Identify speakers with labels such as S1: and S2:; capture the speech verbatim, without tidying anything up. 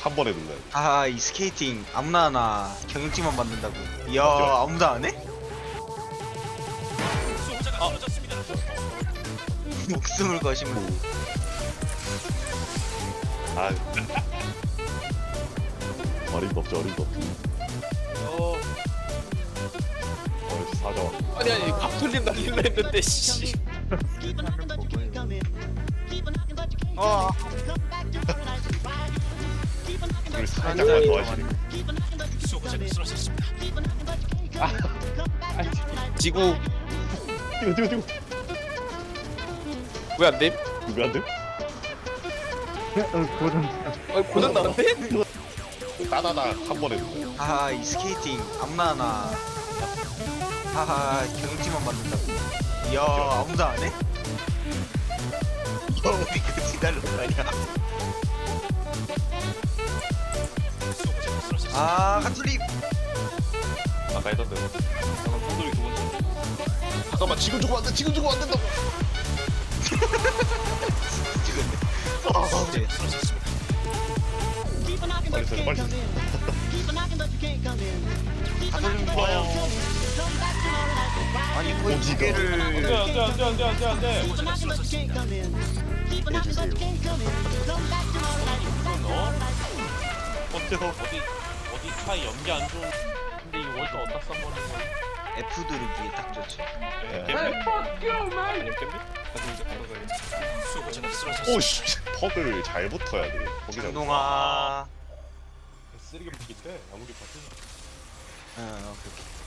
S1: 한 번에 눌러야 돼.
S2: 아, 이 스케이팅 아무나 하나 경영직만 만든다고. 이야,
S1: 맞아.
S2: 아무도 안 해?
S3: 아,
S2: 목숨을 거시면
S1: 아. 어림도 없지, 어림도 없지.
S3: 어,
S1: 어, 역시 사자와.
S3: 아니 아니 밥톨림 날릴라 했는데 씨.
S2: 어,
S1: 우리 살짝만 더 하시는 거.
S3: 지구
S1: 뛰어, 뛰어, 뛰어.
S3: 왜 안 돼?
S1: 왜안 돼?
S3: 어, 고장 나는데?
S1: 따다다 한 번에 눌러야 돼.
S2: 아, 이 스케이팅 아무나 하나 아, 경영직만 만든다고. 이야, 아무도 안 해? 야, 우리 그 기다렸다냐. 아, 가투리.
S3: 아까 했던 대로. 잠깐 손들이 두 번째.
S1: 잠깐만, 지금 주고 안 돼, 지금 주고 안 된다고.
S2: 찍었네. 네.
S1: 빨리 써, 빨리 써.
S2: 가투리 좋아요. 아니, 거의 두 개를.
S3: 안돼 안돼 안돼 안돼 안돼 안돼.
S1: 해주세요.
S3: 너 어째서 어디 어디 차에 연기 안 좋은. 근데 이거 월드 어디다 써버리는 거야?
S2: F 누르기 딱 좋지.
S3: 아니면 깻잎? 나도 이제 바로 가야
S1: 오씨, 퍽을 잘 붙어야 돼. 거기다.
S2: 장동아.
S3: 쓰레기 붙기 때 아무리 같은.
S2: 어, 그렇게.